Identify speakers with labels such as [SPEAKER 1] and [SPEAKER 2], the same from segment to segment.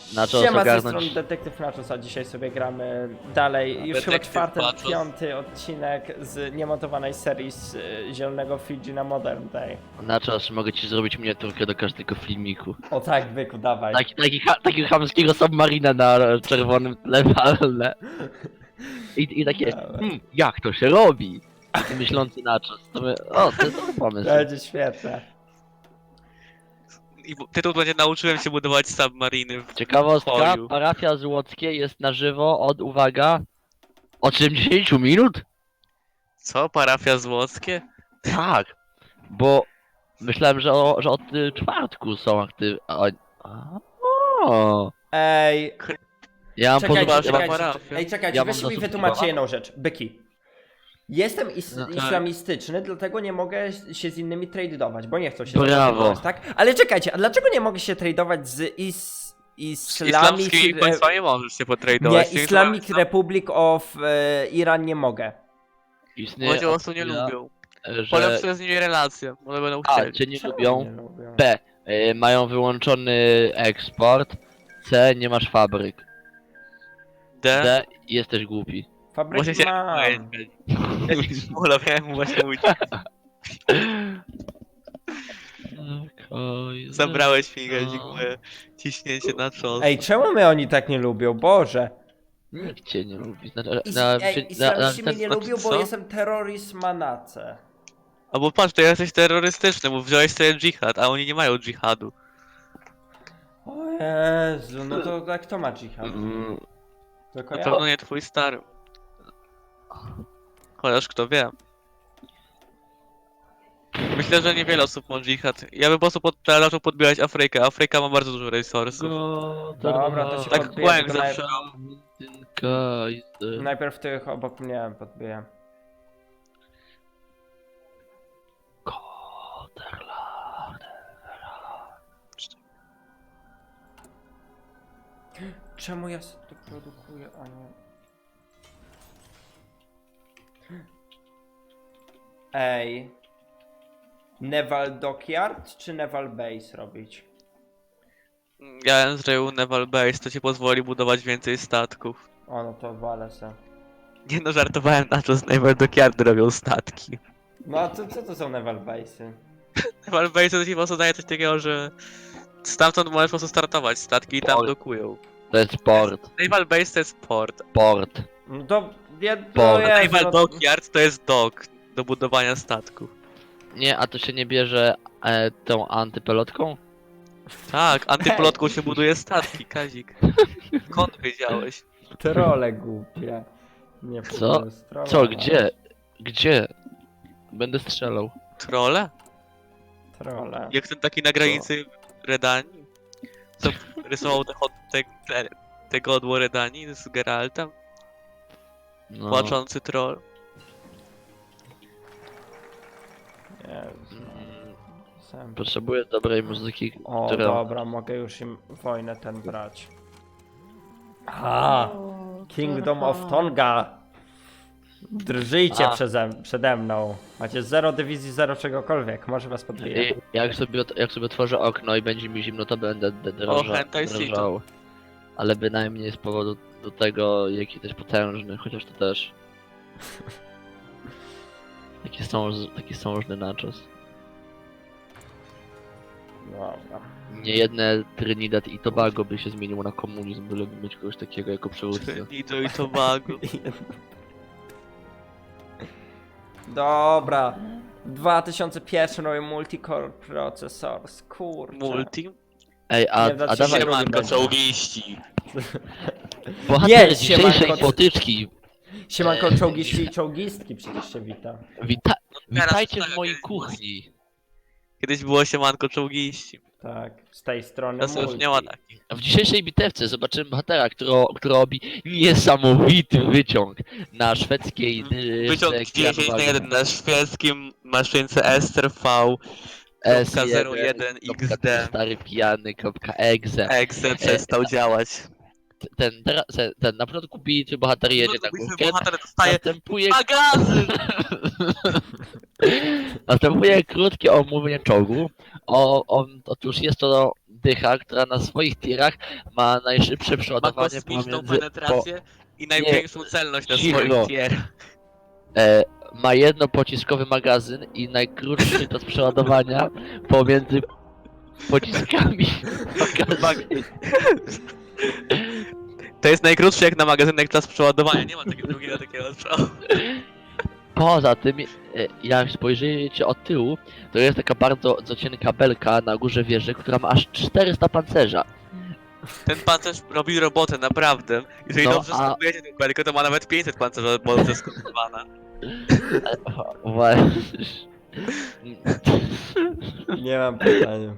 [SPEAKER 1] Nachos
[SPEAKER 2] Siema, z tej
[SPEAKER 1] ogarnąć.
[SPEAKER 2] strony Detektyw Nachos, a dzisiaj sobie gramy dalej. Już chyba
[SPEAKER 3] Detektyw
[SPEAKER 2] czwarty,
[SPEAKER 3] Nachos.
[SPEAKER 2] piąty odcinek z niemontowanej serii z Zielonego Fidżi na Modern Day.
[SPEAKER 1] Nachos, mogę ci zrobić miniaturkę do każdego filmiku.
[SPEAKER 2] O tak, byku, dawaj.
[SPEAKER 1] Takiego chamskiego submarina na czerwonym tle walne. I takie,
[SPEAKER 2] Dawaj.
[SPEAKER 1] jak to się robi? Taki myślący Nachos. To jest dobry pomysł.
[SPEAKER 2] Będzie świetne.
[SPEAKER 3] I tytuł będzie nauczyłem się budować submariny w
[SPEAKER 1] Ciekawostka,
[SPEAKER 3] pokoju.
[SPEAKER 1] parafia Złockie jest na żywo od, uwaga, od 70 minut?
[SPEAKER 3] Co? Parafia Złockie?
[SPEAKER 1] Tak, bo myślałem, że od czwartku są aktywni.
[SPEAKER 2] Ej,
[SPEAKER 1] Ja mam
[SPEAKER 2] czekajcie,
[SPEAKER 1] podobać.
[SPEAKER 2] czekajcie. Ej, czekajcie,
[SPEAKER 1] Ja mam
[SPEAKER 2] weźcie mi
[SPEAKER 1] dosyć
[SPEAKER 2] wytłumaczcie
[SPEAKER 1] słowa.
[SPEAKER 2] jedną rzecz. Byki. Jestem
[SPEAKER 3] No tak.
[SPEAKER 2] islamistyczny, dlatego nie mogę się z innymi tradeować, bo nie chcą się
[SPEAKER 1] Brawo.
[SPEAKER 2] tradeować, tak? Ale czekajcie, a dlaczego nie mogę się tradeować z
[SPEAKER 3] Islamskimi państwami możesz się
[SPEAKER 2] Nie,
[SPEAKER 3] potradować.
[SPEAKER 2] Islamic Republic of Iran nie mogę.
[SPEAKER 1] Istnieje
[SPEAKER 3] Ludzie po prostu nie
[SPEAKER 1] opcja,
[SPEAKER 3] lubią.
[SPEAKER 1] że
[SPEAKER 3] Polepszę z nimi relacje, one będą
[SPEAKER 1] A,
[SPEAKER 3] chcieli.
[SPEAKER 1] cię nie
[SPEAKER 2] Czemu
[SPEAKER 1] lubią.
[SPEAKER 2] nie lubią?
[SPEAKER 1] B. Mają wyłączony eksport. C. Nie masz fabryk.
[SPEAKER 3] D?
[SPEAKER 1] D. Jesteś głupi.
[SPEAKER 2] Fabryki
[SPEAKER 3] Właśnie się
[SPEAKER 2] mam.
[SPEAKER 3] Szmula, miałem mu właśnie mówić. Zabrałeś mi, Gazik, moje ciśnięcie na czos.
[SPEAKER 2] Ej, czemu mnie oni tak nie lubią? Boże.
[SPEAKER 1] Nikt cię nie lubi.
[SPEAKER 2] Islamiści mnie nie lubią, bo
[SPEAKER 3] co?
[SPEAKER 2] jestem terroryst manace.
[SPEAKER 3] Albo patrz, to jesteś terrorystyczny, bo wziąłeś sobie dżihad, a oni nie mają dżihadu.
[SPEAKER 2] O Jezu, no to tak kto ma dżihad? Tylko
[SPEAKER 3] Na
[SPEAKER 2] ja?
[SPEAKER 3] pewno nie twój stary. Chociaż kto wie. Myślę, że niewiele osób ma dżihad. Ja bym po prostu zaczął podbierać Afrykę. Afryka ma bardzo dużo resursów.
[SPEAKER 2] Dobra, to się
[SPEAKER 3] Tak
[SPEAKER 2] podbiję,
[SPEAKER 3] kłęk
[SPEAKER 2] tylko
[SPEAKER 3] zawsze.
[SPEAKER 2] najpierw tych obok mnie podbiję. Czemu ja sobie to produkuję, a nie... Ej. Naval Dockyard czy Naval Base robić?
[SPEAKER 3] Ja bym zrobił Naval Base, to ci pozwoli budować więcej statków.
[SPEAKER 2] O, no to walę se.
[SPEAKER 3] Nie no, żartowałem na to, z Naval Dockyardy robią statki.
[SPEAKER 2] No a co to są Naval Base'y?
[SPEAKER 3] Naval Base to ci po prostu daje coś takiego, że stamtąd możesz po prostu startować statki i tam
[SPEAKER 1] Port.
[SPEAKER 3] dokują.
[SPEAKER 1] To jest port.
[SPEAKER 3] Naval Base to jest port,
[SPEAKER 1] Port.
[SPEAKER 2] No to... Ja,
[SPEAKER 1] Bo-
[SPEAKER 2] to
[SPEAKER 3] a
[SPEAKER 2] jest,
[SPEAKER 3] Naval
[SPEAKER 2] no,
[SPEAKER 3] Dockyard to jest dock do budowania statków.
[SPEAKER 1] Nie, a to się nie bierze tą antypelotką?
[SPEAKER 3] Tak, antyplotką się buduje statki, Kazik. Skąd wiedziałeś?
[SPEAKER 2] Trole głupie. Nie
[SPEAKER 1] Co?
[SPEAKER 2] powiem, z trolla.
[SPEAKER 1] Co, gdzie? Gdzie? Będę strzelał.
[SPEAKER 3] Trole?
[SPEAKER 2] Trole.
[SPEAKER 3] Jak ten taki na granicy Redanii? Co rysował te godło Redanii z Geraltem?
[SPEAKER 1] No.
[SPEAKER 3] Płaczący troll.
[SPEAKER 2] Jezu. Sam.
[SPEAKER 1] Potrzebuję dobrej muzyki,
[SPEAKER 2] O,
[SPEAKER 1] która...
[SPEAKER 2] dobra, mogę już im wojnę ten brać. Aha! Kingdom of Tonga! Drżyjcie
[SPEAKER 1] A.
[SPEAKER 2] przede mną. Macie 0 dywizji, 0 czegokolwiek. Może was podbiję.
[SPEAKER 1] I jak sobie otworzę okno i będzie mi zimno, to będę
[SPEAKER 3] hentai
[SPEAKER 1] drżał. Ale bynajmniej z powodu do tego, jaki to jest potężny, chociaż to też... Taki sążny nachos.
[SPEAKER 2] Dobra.
[SPEAKER 1] Niejedne Trinidad i Tobago by się zmieniło na komunizm, byleby mieć kogoś takiego jako przywódcę.
[SPEAKER 3] Nido i Tobago.
[SPEAKER 2] Dobra. 2001 robię multicore processor. Kurczę.
[SPEAKER 3] Multi?
[SPEAKER 1] Ej, a
[SPEAKER 2] Nie, znaczy
[SPEAKER 1] dawaj,
[SPEAKER 2] się ma-
[SPEAKER 3] Siemanko, czołgiści.
[SPEAKER 1] bohater
[SPEAKER 2] Nie,
[SPEAKER 1] dzisiejszej
[SPEAKER 2] siemanko.
[SPEAKER 1] potyczki,
[SPEAKER 2] Siemanko czołgiści i czołgistki przecież się wita.
[SPEAKER 1] witajcie
[SPEAKER 3] tak,
[SPEAKER 1] w mojej
[SPEAKER 3] jak
[SPEAKER 1] kuchni.
[SPEAKER 3] Kiedyś było siemanko czołgiści.
[SPEAKER 2] Tak, z tej strony
[SPEAKER 3] Teraz już
[SPEAKER 2] multi.
[SPEAKER 3] nie ma takich.
[SPEAKER 1] W dzisiejszej bitewce zobaczymy bohatera, który robi niesamowity wyciąg na szwedzkiej
[SPEAKER 3] Wyciąg 10/1 na szwedzkim maszynce STV
[SPEAKER 1] S1
[SPEAKER 3] XD.
[SPEAKER 1] stary pijany.exe.
[SPEAKER 3] Exe przestał działać.
[SPEAKER 1] Ten na początku bity bohater jedzie na górkę,
[SPEAKER 3] Bohater dostaje
[SPEAKER 1] następuje,
[SPEAKER 3] magazyn!
[SPEAKER 1] następuje krótkie omówienie czołgu. Otóż jest to dycha, która na swoich tirach ma najszybsze
[SPEAKER 3] Ma
[SPEAKER 1] przeładowanie
[SPEAKER 3] kosmiczną
[SPEAKER 1] pomiędzy...
[SPEAKER 3] penetrację i największą celność na
[SPEAKER 1] Cicho.
[SPEAKER 3] swoich tierach.
[SPEAKER 1] Ma jednopociskowy magazyn i najkrótszy czas przeładowania pomiędzy pociskami magazynu.
[SPEAKER 3] To jest najkrótszy jak na magazynek czas przeładowania, nie ma takiego drugiego takiego przeładowania.
[SPEAKER 1] Poza tym, jak spojrzycie od tyłu, to jest taka bardzo cienka belka na górze wieży, która ma aż 400 pancerza.
[SPEAKER 3] Ten pancerz robi robotę, naprawdę. Jeżeli
[SPEAKER 1] No,
[SPEAKER 3] dobrze
[SPEAKER 1] a-
[SPEAKER 3] stopujecie tę belkę, to ma nawet 500 pancerza, bo to jest skonstruowana.
[SPEAKER 1] Właśnie.
[SPEAKER 2] Nie mam pytania.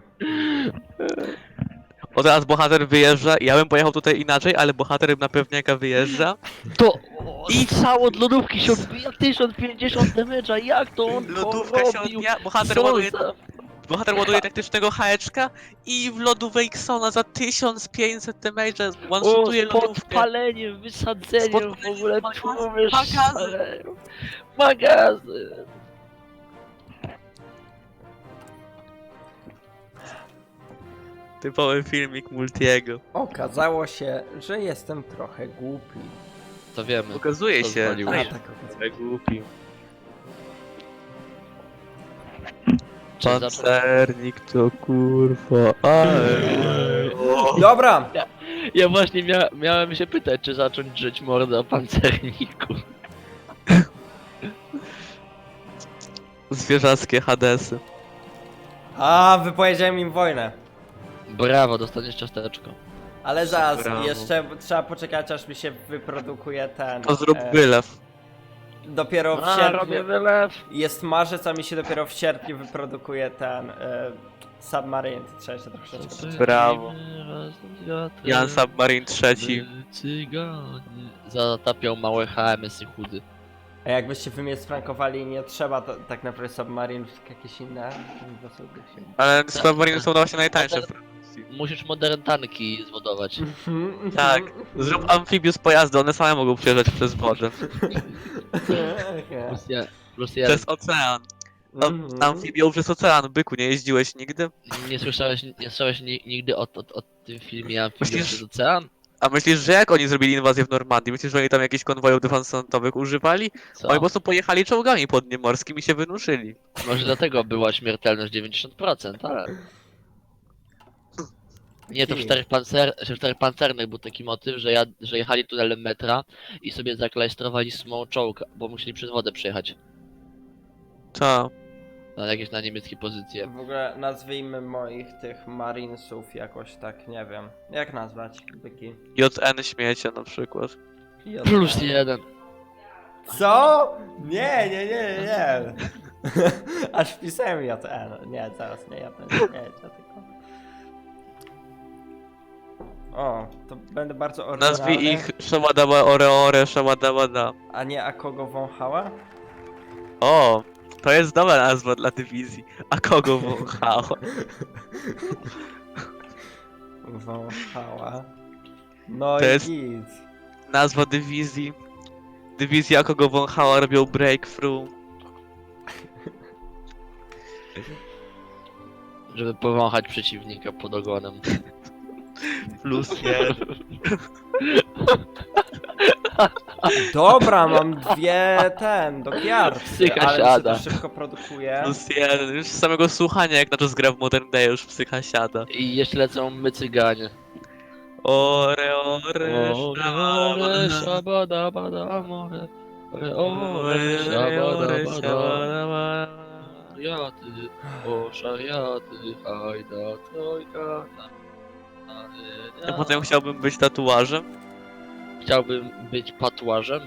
[SPEAKER 3] O, teraz bohater wyjeżdża, ja bym pojechał tutaj inaczej, ale bohater na pewniaka wyjeżdża.
[SPEAKER 1] To i cało od lodówki się odbija 1050 damage'a, jak to on
[SPEAKER 3] Lodówka się
[SPEAKER 1] porobił?
[SPEAKER 3] odbija, bohater
[SPEAKER 1] Co
[SPEAKER 3] ładuje,
[SPEAKER 1] za...
[SPEAKER 3] taktycznego haeczka i w lodówkę Xona za 1500 damage'a
[SPEAKER 1] O,
[SPEAKER 3] one-shotuje
[SPEAKER 1] z
[SPEAKER 3] lodówkę.
[SPEAKER 1] podpaleniem, wysadzeniem, w
[SPEAKER 3] podpaleniem,
[SPEAKER 1] ogóle człowiek
[SPEAKER 3] magazyn.
[SPEAKER 1] szaleją. Magazyn.
[SPEAKER 3] Typowy filmik Multiego.
[SPEAKER 2] Okazało się, że jestem trochę głupi.
[SPEAKER 1] To wiemy.
[SPEAKER 3] Okazuje się,
[SPEAKER 1] Pozwoliłeś.
[SPEAKER 2] A,
[SPEAKER 3] że
[SPEAKER 2] tak okazuje.
[SPEAKER 3] trochę głupi.
[SPEAKER 1] Czy zacząć-
[SPEAKER 3] Pancernik to kurwa, ale...
[SPEAKER 2] Dobra!
[SPEAKER 1] Ja właśnie miałem się pytać, czy zacząć drzeć mordę o pancerniku.
[SPEAKER 3] Zwierzackie Hadesy.
[SPEAKER 2] A, wypowiedziałem im wojnę.
[SPEAKER 1] Brawo, dostaniesz ciasteczko.
[SPEAKER 2] Ale zaraz,
[SPEAKER 3] Brawo.
[SPEAKER 2] jeszcze trzeba poczekać, aż mi się wyprodukuje ten...
[SPEAKER 3] To zrób wylew.
[SPEAKER 2] Dopiero w
[SPEAKER 1] A,
[SPEAKER 2] sierpniu...
[SPEAKER 1] robię wylew.
[SPEAKER 2] Jest marzec, a mi się dopiero w sierpniu wyprodukuje ten... Submarine, to trzeba się troszeczkę...
[SPEAKER 3] Brawo. Jan Submarine III.
[SPEAKER 1] Cyganie zatapiał małe HMS-y chudy.
[SPEAKER 2] A jakbyście wy mnie sprankowali, nie trzeba to, tak naprawdę Submarine, tylko jakieś inne...
[SPEAKER 3] Ale Submarine są właśnie najtańsze w Francji.
[SPEAKER 1] Musisz modern tanki zwodować.
[SPEAKER 3] Tak. Zrób amfibius pojazdy, one same mogą przejeżdżać przez wodę.
[SPEAKER 1] Plus ja
[SPEAKER 3] Przez ocean. Amfibią przez ocean, byku, nie jeździłeś nigdy?
[SPEAKER 1] nie słyszałeś nigdy o tym filmie Amfibią
[SPEAKER 3] Myślisz-
[SPEAKER 1] przez ocean?
[SPEAKER 3] A myślisz, że jak oni zrobili inwazję w Normandii? Myślisz, że oni tam jakichś konwojów defansowych używali?
[SPEAKER 1] Co?
[SPEAKER 3] Oni po prostu pojechali czołgami podniemorskim i się wynuszyli.
[SPEAKER 1] Może dlatego była śmiertelność 90%, ale... Nie, to w czterech pancernych był taki motyw, że jechali tunelem metra i sobie zaklajstrowali small czołg, bo musieli przez wodę przejechać.
[SPEAKER 3] Co?
[SPEAKER 1] Na niemieckie pozycje.
[SPEAKER 2] W ogóle nazwijmy moich tych marinesów jakoś tak, nie wiem. Jak nazwać? Byki.
[SPEAKER 3] JN śmiecie na przykład.
[SPEAKER 1] Plus jeden.
[SPEAKER 2] Co? Nie, nie, nie, nie, nie. Aż wpisałem JN. Nie, zaraz nie JN, nie, tylko. O, to będę bardzo oryginalny.
[SPEAKER 3] Nazwij ich Shawadaba Oreore Shawadabada.
[SPEAKER 2] A nie a kogo wąchała?
[SPEAKER 3] O, to jest dobra nazwa dla dywizji. A kogo wąchało?
[SPEAKER 2] Wąchała. No
[SPEAKER 3] To
[SPEAKER 2] i
[SPEAKER 3] jest-
[SPEAKER 2] git.
[SPEAKER 3] Nazwa dywizji. Dywizja kogo wąchała robią breakthrough.
[SPEAKER 1] Żeby powąchać przeciwnika pod ogonem.
[SPEAKER 3] Plus jeden.
[SPEAKER 2] Dobra, mam dwie dokiarty,
[SPEAKER 1] Psycha
[SPEAKER 2] ale mi się
[SPEAKER 1] siada.
[SPEAKER 2] to szybko produkuje.
[SPEAKER 3] Plus jeden. Już z samego słuchania jak na czas gra w Modern Day już psycha siada.
[SPEAKER 1] I jeszcze lecą my cyganie.
[SPEAKER 3] Ore, ore,
[SPEAKER 1] Ore, szabada, bada, more. Ore, szabada, bada. Szariaty, o szariaty, hajda, trojka.
[SPEAKER 3] Ja potem chciałbym być tatuażem.
[SPEAKER 1] Chciałbym być patuarzem.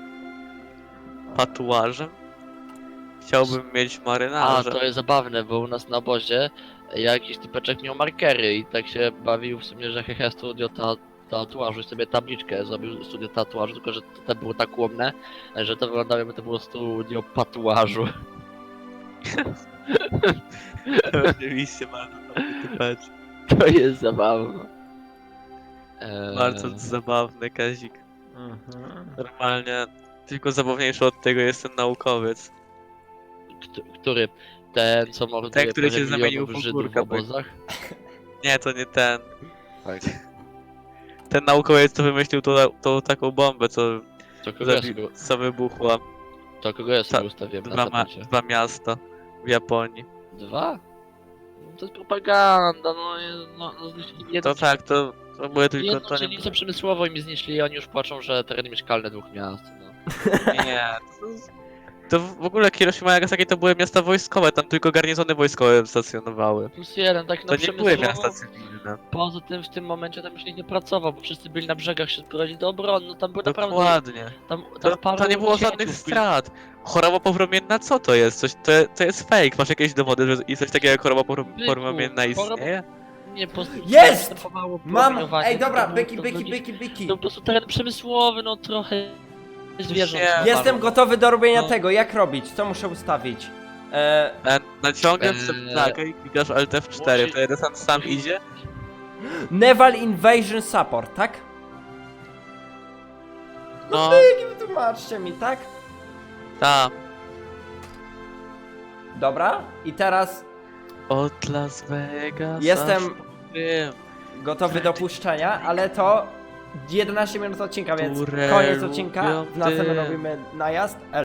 [SPEAKER 3] Tatuażem. Chciałbym mieć
[SPEAKER 1] A,
[SPEAKER 3] marynarza.
[SPEAKER 1] to jest zabawne, bo u nas na obozie jakiś typeczek miał markery i tak się bawił w sumie, że hehe studio tatuażu i sobie tabliczkę zrobił studio tatuażu, tylko że to było tak łomne, że to wyglądało jakby to było studio patuażu.
[SPEAKER 3] Oczywiście bardzo dobry typecz.
[SPEAKER 1] To jest zabawne.
[SPEAKER 3] Bardzo zabawny Kazik.
[SPEAKER 2] Mhm.
[SPEAKER 3] Normalnie tylko zabawniejszy od tego jest ten naukowiec.
[SPEAKER 1] Który? Ten, co morduje
[SPEAKER 3] Ten, który się
[SPEAKER 1] parę
[SPEAKER 3] zamienił
[SPEAKER 1] milionów
[SPEAKER 3] w
[SPEAKER 1] Żydów w
[SPEAKER 3] ogórka,
[SPEAKER 1] obozach?
[SPEAKER 3] Nie, to nie ten.
[SPEAKER 1] Tak.
[SPEAKER 3] Ten naukowiec, co wymyślił tą taką bombę,
[SPEAKER 1] To kogo ja sobie,
[SPEAKER 3] co wybuchła
[SPEAKER 1] to kogo ja sobie ustawiłem na tablicie?
[SPEAKER 3] dwa miasta w Japonii.
[SPEAKER 1] 2? No to jest propaganda, no zniszczyli jedno,
[SPEAKER 3] To tak, to były tylko...
[SPEAKER 1] jedną
[SPEAKER 3] To nie,
[SPEAKER 1] dzielnicę przemysłową i mi zniszczyli, oni już płaczą, że tereny mieszkalne 2 miast, no.
[SPEAKER 3] nie. To w ogóle Hiroshima i Nagasaki to były miasta wojskowe, tam tylko garnizony wojskowe stacjonowały.
[SPEAKER 1] Plus 1, tak
[SPEAKER 3] To
[SPEAKER 1] no
[SPEAKER 3] nie były
[SPEAKER 1] przemysłowo.
[SPEAKER 3] miasta cywilne.
[SPEAKER 1] Poza tym w tym momencie tam już nikt nie pracował, bo wszyscy byli na brzegach, się zbrojili do obrony, no tam były naprawdę...
[SPEAKER 3] Dokładnie.
[SPEAKER 1] Tam
[SPEAKER 3] To
[SPEAKER 1] paru
[SPEAKER 3] nie było
[SPEAKER 1] księciów
[SPEAKER 3] żadnych
[SPEAKER 1] byli-
[SPEAKER 3] strat. Choroba powromienna, co to jest? To jest fake. Masz jakieś dowody, że i coś takiego jak choroba powromienna istnieje?
[SPEAKER 1] Nie, po prostu
[SPEAKER 2] Jest!
[SPEAKER 1] następowało
[SPEAKER 2] Mam!
[SPEAKER 1] promieniowanie,
[SPEAKER 2] Ej, dobra,
[SPEAKER 1] to
[SPEAKER 2] byki,
[SPEAKER 1] było-
[SPEAKER 2] byki,
[SPEAKER 1] to-
[SPEAKER 2] byki, byki.
[SPEAKER 1] To po prostu teren przemysłowy, no trochę zwierząt.
[SPEAKER 3] Nie.
[SPEAKER 1] normalnie.
[SPEAKER 2] Jestem gotowy do robienia
[SPEAKER 3] No.
[SPEAKER 2] tego, jak robić? Co muszę ustawić?
[SPEAKER 3] Naciągasz
[SPEAKER 1] Eee,
[SPEAKER 3] sobie ptakę i klikasz Alt F4,
[SPEAKER 1] musi-
[SPEAKER 3] wtedy desant sam idzie.
[SPEAKER 2] Naval Invasion Support, tak?
[SPEAKER 3] No,
[SPEAKER 2] Wytłumaczcie mi, tak?
[SPEAKER 3] tam.
[SPEAKER 2] Dobra, i teraz
[SPEAKER 3] Od Las Vegas.
[SPEAKER 2] Jestem-
[SPEAKER 3] aż po Rzym.
[SPEAKER 2] gotowy do puszczenia, ale to 11 minut odcinka, więc
[SPEAKER 3] Które
[SPEAKER 2] koniec odcinka.
[SPEAKER 3] lubią
[SPEAKER 2] W następnym
[SPEAKER 3] dym.
[SPEAKER 2] robimy najazd.